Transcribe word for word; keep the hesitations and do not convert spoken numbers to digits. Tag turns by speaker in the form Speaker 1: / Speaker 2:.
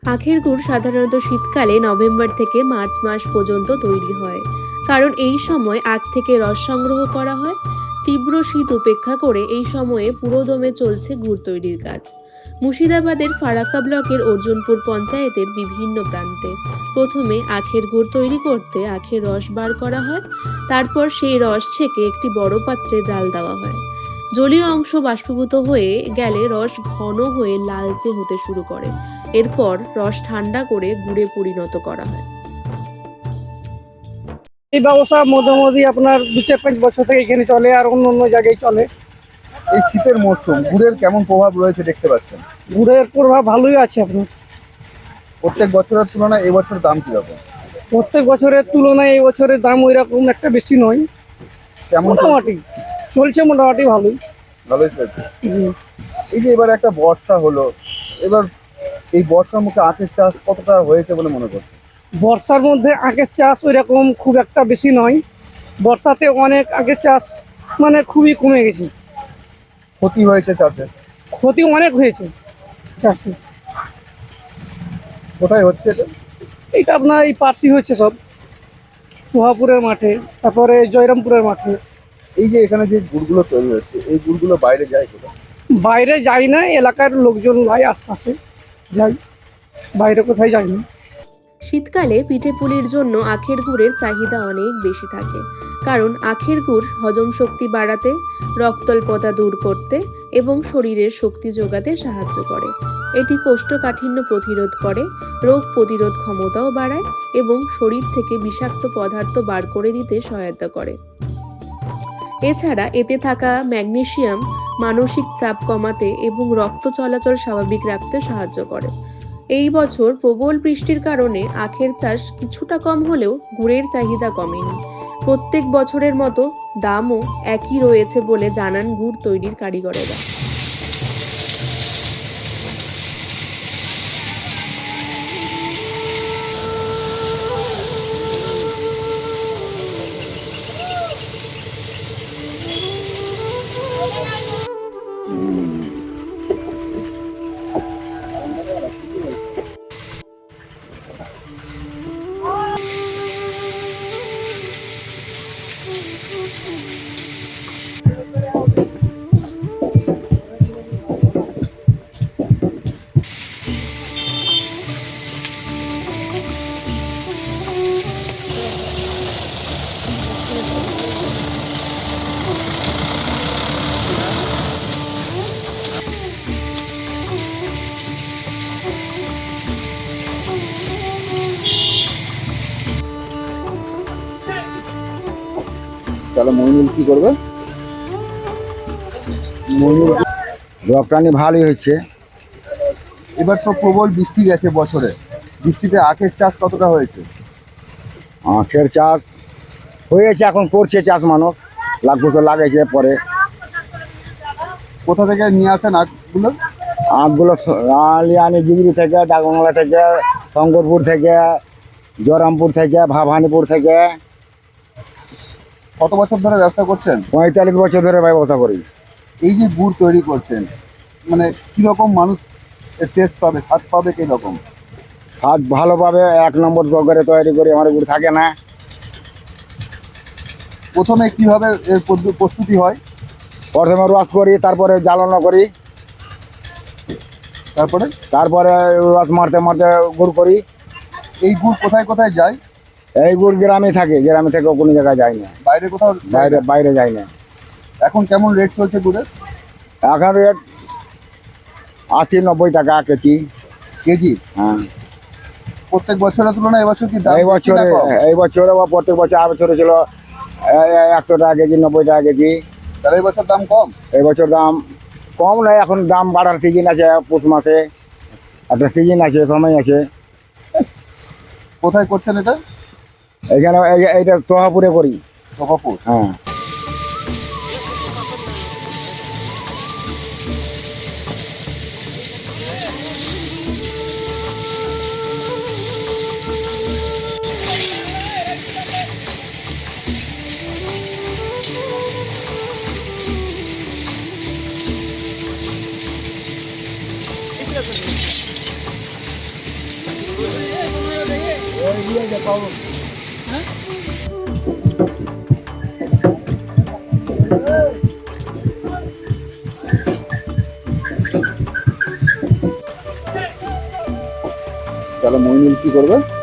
Speaker 1: আখের গুড় সাধারণত শীতকালে নভেম্বর থেকে মার্চ মাস পর্যন্ত তৈরি হয়, কারণ এই সময় আখ থেকে রস সংগ্রহ করা হয়। তীব্র শীত উপেক্ষা করে এই সময়ে পুরোদমে চলছে গুড় তৈরির কাজ। মুর্শিদাবাদের ফারাক্কা ব্লকের অর্জুনপুর পঞ্চায়েতের বিভিন্ন প্রান্তে প্রথমে আখের গুড় তৈরি করতে আখের রস বার করা হয়। তারপর সেই রস ছেঁকে একটি বড় পাত্রে জাল দেওয়া হয়। জলীয় অংশ বাষ্পীভূত হয়ে গেলে রস ঘন হয়ে লালচে হতে শুরু করে। এরপর রস ঠান্ডা করে গুড়ে পরিণত করা হয়।
Speaker 2: এই ব্যবসা মোটামুটি আপনার দু চার পাঁচ বছর থেকে এখানে চলে, আর অন্য অন্য জায়গায় চলে।
Speaker 3: এই শীতের মরশুম গুড়ের কেমন প্রভাব রয়েছে দেখতে পাচ্ছেন?
Speaker 2: গুড়ের প্রভাব ভালোই আছে আপনার।
Speaker 3: প্রত্যেক বছরের তুলনায় এবছর দাম কিরকম?
Speaker 2: প্রত্যেক বছরের তুলনায় এই বছরের দাম ওই রকম একটা বেশি নয়,
Speaker 3: কেমন
Speaker 2: মোটামুটি চলছে, মোটামুটি ভালোই।
Speaker 3: ভালোই চলছে।
Speaker 2: জি।
Speaker 3: এই যে এবার একটা বর্ষা হলো, এবার এই বর্ষার মুখে আখের চাষ কতটা হয়েছে বলে মনে করছে?
Speaker 2: বর্ষার মধ্যে আখের চাষ ওই রকম খুব একটা বেশি নয়। বর্ষাতে অনেক আখের চাষ মানে খুবই কমে গেছে।
Speaker 3: ক্ষতি হয়েছে চাষে?
Speaker 2: ক্ষতি অনেক হয়েছে চাষে।
Speaker 3: কোথায় হচ্ছে এটা?
Speaker 2: এটা আপনার এই পার্সি হয়েছে সব, সোহাপুরের মাঠে, তারপরে জয়রামপুরের মাঠে।
Speaker 3: এই যে এখানে যে গুড়গুলো তৈরি হচ্ছে, এই গুড়গুলো বাইরে যায় কোথায়?
Speaker 2: বাইরে যাই না, এলাকার লোকজন যায়, আশপাশে যাই, বাইরে কোথায় যাই না।
Speaker 1: শীতকালে পিঠেপুলির জন্য আখের গুড়ের চাহিদা অনেক বেশি থাকে, কারণ আখের গুড় হজম শক্তি বাড়াতে, রক্তল্পতা দূর করতে এবং শরীরের শক্তি যোগাতে সাহায্য করে। এটি কোষ্ঠকাঠিন্য প্রতিরোধ করে, রোগ প্রতিরোধ ক্ষমতাও বাড়ায় এবং শরীর থেকে বিষাক্ত পদার্থ বার করে দিতে সহায়তা করে। এছাড়া এতে থাকা ম্যাগনেসিয়াম মানসিক চাপ কমাতে এবং রক্ত চলাচল স্বাভাবিক রাখতে সাহায্য করে। এই বছর প্রবল বৃষ্টির কারণে আখের চাষ কিছুটা কম হলেও গুড়ের চাহিদা কমেনি। প্রত্যেক বছরের মতো দামও একই রয়েছে বলে জানান গুড় তৈরির কারিগরেরা।
Speaker 3: তাহলে মইনুল কি করবে? মইনুল
Speaker 4: রপ্তানি ভালোই হচ্ছে।
Speaker 3: এবার তো প্রবল বৃষ্টি গেছে বছরে, বৃষ্টিতে আখের চাষ কতটা হয়েছে?
Speaker 4: আখের চাষ হয়েছে, এখন করছে চাষ মানুষ, লাখ বছর লাগাইছে। পরে
Speaker 3: কোথা থেকে নিয়ে আসেন আখগুলো?
Speaker 4: আখগুলো আলিয়ানি জিগরি থেকে, ডাকবাংলা থেকে, শঙ্করপুর থেকে, জয়রামপুর থেকে, ভাবানীপুর থেকে।
Speaker 3: কত বছর ধরে ব্যবসা করছেন?
Speaker 4: পঁয়তাল্লিশ বছর ধরে ব্যবসা করি।
Speaker 3: এই যে গুড় তৈরি করছেন, মানে কিরকম মানুষ টেস্ট পাবে, স্বাদ পাবে কিরকম?
Speaker 4: স্বাদ ভালোভাবে এক নম্বর করে তৈরি করি, আমার গুড় থাকে না।
Speaker 3: প্রথমে কিভাবে এর পদ্ধ- প্রস্তুতি হয়?
Speaker 4: প্রথমে রস করি, তারপরে জ্বালানো করি,
Speaker 3: তারপরে
Speaker 4: তারপরে রস মারতে মারতে গুড় করি।
Speaker 3: এই গুড় কোথায় কোথায় যায়?
Speaker 4: এই গুড় গ্রামে থাকে, গ্রামে থেকে কোনো জায়গায় যায় না,
Speaker 3: বাইরে কোথাও যায়
Speaker 4: বাইরে
Speaker 3: না?
Speaker 4: বাইরে যায় না।
Speaker 3: এখন কেমন রেট চলছে গুড়ের?
Speaker 4: এখন রেট আশি নব্বই টাকা কেজি।
Speaker 3: কেজি?
Speaker 4: হ্যাঁ।
Speaker 3: প্রত্যেক বছরের তুলনায় এবছর কি দাম
Speaker 4: এই
Speaker 3: বেশি না
Speaker 4: বছরে
Speaker 3: কম?
Speaker 4: এই বছরে বা প্রত্যেক বছর আর বছরে ছিল একশো টাকা কেজি, নব্বই টাকা কেজি।
Speaker 3: তাহলে এই বছর দাম কম?
Speaker 4: এই বছর দাম কম নয়, এখন দাম বাড়ার সিজন আছে। পৌষ মাসে একটা সিজন আছে, সময় আছে।
Speaker 3: কোথায় করছেন এটা?
Speaker 4: এখানে এই- এইটা তোহাপুরে করি।
Speaker 3: সভাপুর?
Speaker 4: হ্যাঁ।
Speaker 3: তাহলে মইনুল কি করবে?